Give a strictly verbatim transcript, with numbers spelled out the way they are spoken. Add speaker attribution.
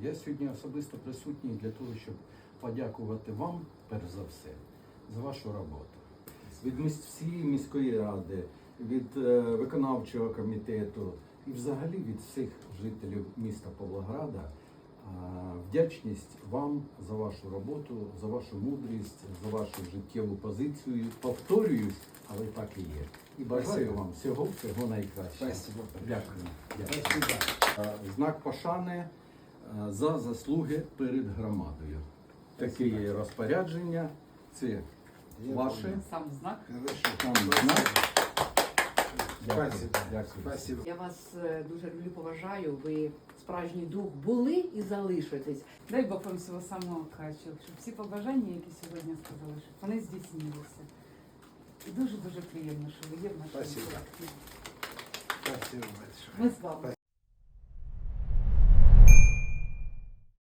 Speaker 1: Я сьогодні особисто присутній для того, щоб подякувати вам, перш за все, за вашу роботу. Від міс- всієї міської ради, від е, виконавчого комітету і взагалі від всіх жителів міста Павлограда е, вдячність вам за вашу роботу, за вашу мудрість, за вашу життєву позицію. Повторююсь, але так і є. І бажаю
Speaker 2: Спасибо.
Speaker 1: вам всього, всього найкращого.
Speaker 2: Спасибо.
Speaker 1: Дякую. Дякую.
Speaker 2: Спасибо.
Speaker 1: Е, Знак пошани е, за заслуги перед громадою. Таке є розпорядження. Це
Speaker 2: Я
Speaker 1: ваше.
Speaker 2: понял.
Speaker 3: Сам знак.
Speaker 2: Хорошо.
Speaker 1: Там знак. Дякую.
Speaker 2: Спасибо.
Speaker 1: Дякую.
Speaker 2: Спасибо.
Speaker 3: Я вас е, дуже люблю, поважаю. Ви справжній друг були і залишитесь.
Speaker 4: Дай Бог вам всього самого кращого, щоб всі побажання, які сьогодні сказали, щоб вони здійснилися. І дуже-дуже приємно, що ви є в нашому
Speaker 2: Спасибо.
Speaker 4: колективі.
Speaker 2: Спасибо большое.
Speaker 4: Ми з вами.
Speaker 2: Спасибо.